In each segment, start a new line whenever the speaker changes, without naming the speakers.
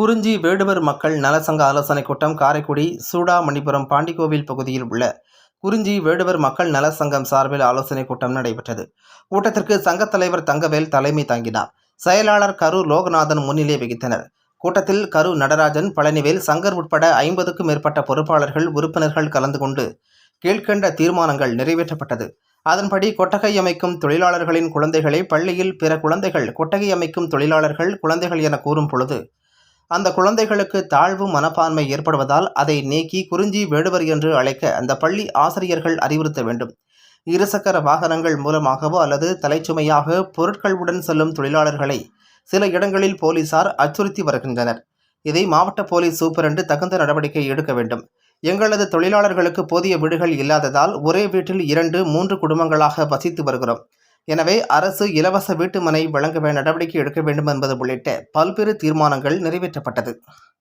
குறிஞ்சி வேடுவர் மக்கள் நலசங்க ஆலோசனைக் கூட்டம் காரைக்குடி சூடாமணிபுரம் பாண்டிகோவில் பகுதியில் உள்ள குறிஞ்சி வேடுவர் மக்கள் நலசங்கம் சார்பில் ஆலோசனைக் கூட்டம் நடைபெற்றது. கூட்டத்திற்கு சங்கத் தலைவர் தங்கவேல் தலைமை தாங்கினார். செயலாளர் கரு லோகநாதன் முன்னிலை வகித்தனர். கூட்டத்தில் கரு நடராஜன், பழனிவேல், சங்கர் உட்பட 50க்கும் மேற்பட்ட பொறுப்பாளர்கள், உறுப்பினர்கள் கலந்து கொண்டு கீழ்கண்ட தீர்மானங்கள் நிறைவேற்றப்பட்டது. அதன்படி கொட்டகை அமைக்கும் தொழிலாளர்களின் குழந்தைகளை பள்ளியில் பிற குழந்தைகள் கொட்டகை அமைக்கும் தொழிலாளர்கள் குழந்தைகள் என கூறும் பொழுது அந்த குழந்தைகளுக்கு தாழ்வு மனப்பான்மை ஏற்படுவதால் அதை நீக்கி குறிஞ்சி வேடுவர் என்று அழைக்க அந்த பள்ளி ஆசிரியர்கள் அறிவுறுத்த வேண்டும். இருசக்கர வாகனங்கள் மூலமாகவோ அல்லது தலைச்சுமையாக பொருட்களுடன் செல்லும் தொழிலாளர்களை சில இடங்களில் போலீசார் அச்சுறுத்தி வருகின்றனர். இதை மாவட்ட போலீஸ் சூப்பரண்டு தகுந்த நடவடிக்கை எடுக்க வேண்டும். எங்களது தொழிலாளர்களுக்கு போதிய வீடுகள் இல்லாததால் ஒரே வீட்டில் 2-3 குடும்பங்களாக வசித்து வருகிறோம். எனவே அரசு இலவச வீட்டுமனை வழங்க நடவடிக்கை எடுக்க வேண்டும் என்பது உள்ளிட்ட பல்வேறு தீர்மானங்கள் நிறைவேற்றப்பட்டது.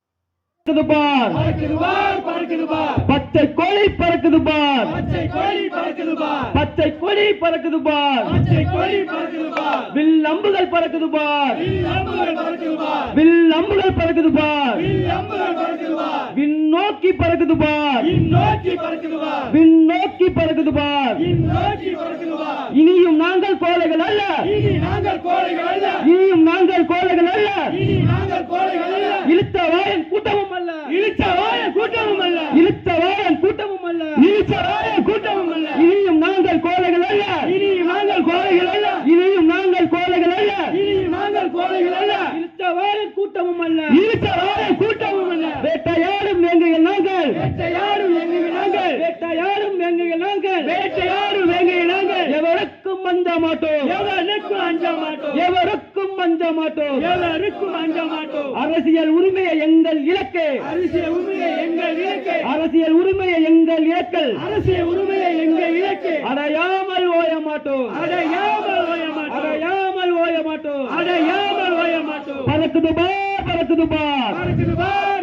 பச்சை கோழி பறக்குது பார், பச்சை கோழி பறக்குது பார், பச்சை கோழி பறக்குது பார், பச்சை கோழி பறக்குது பார், வில் அம்புகள் பறக்குது பார், வில் அம்புகள் பறக்குது பார், வில் அம்புகள் பறக்குது பார், வில் அம்புகள் பறக்குது பார், விண்ணோக்கி பறக்குது பார், விண்ணோக்கி பறக்குது பார், விண்ணோக்கி பறக்குது பார், விண்ணோக்கி பறக்குது பார். இனியும் நாங்கள் கோழைகள் அல்ல, இனி நாங்கள் கோழைகள் அல்ல, இனியும் நாங்கள் கோழைகள் அல்ல, இனி நாங்கள் கோழைகள் அல்ல. இழுத்த வாயன் கூட்டமும் அல்ல, இழுத்த வாயன் கூட்டமும் அல்ல, இழுத்த வாயன் கூட்டமும் அல்ல, இழுத்த வாயன் கூட்டமும் அல்ல. இனியும் நாங்கள் கோழைகள் அல்ல, இனியும் நாங்கள் கோழைகள் அல்ல, இனியும் நாங்கள் கோழைகள் அல்ல, இனியும் நாங்கள் கோழைகள் அல்ல. இழுத்த வாயன் கூட்டமும் அல்ல, இழுத்த வாயன் கூட்டமும் அல்ல. வேட்டையாடும் வேங்கைகள் நாங்கள், வேட்டையாடும் வேங்கைகள் நாங்கள், வேட்டையாடும் வேங்கைகள் நாங்கள், வேட்டையாடும் வேங்கைகள் நாங்கள். எவருக்கும் அஞ்ச மாட்டோம், எவருக்கும் அஞ்ச மாட்டோம், எவருக்கும் அஞ்ச மாட்டோம், எவருக்கும் அஞ்ச மாட்டோம். அரசியல் உரிமையை எங்கள் இலக்கு, அரசியல் உரிமையை எங்கள் இலக்கு, அரசியல் உரிமையை எங்கள் இலக்கு, அரசியல் உரிமையை எங்கள் இலக்கு. அடையாமல் ஓய மாட்டோம், அடையாமல் ஓய மாட்டோம், அடையாமல் ஓய மாட்டோம், அடையாமல் ஓய மாட்டோம். பறக்குது பார், பறக்குது பார், பறக்குது பார்.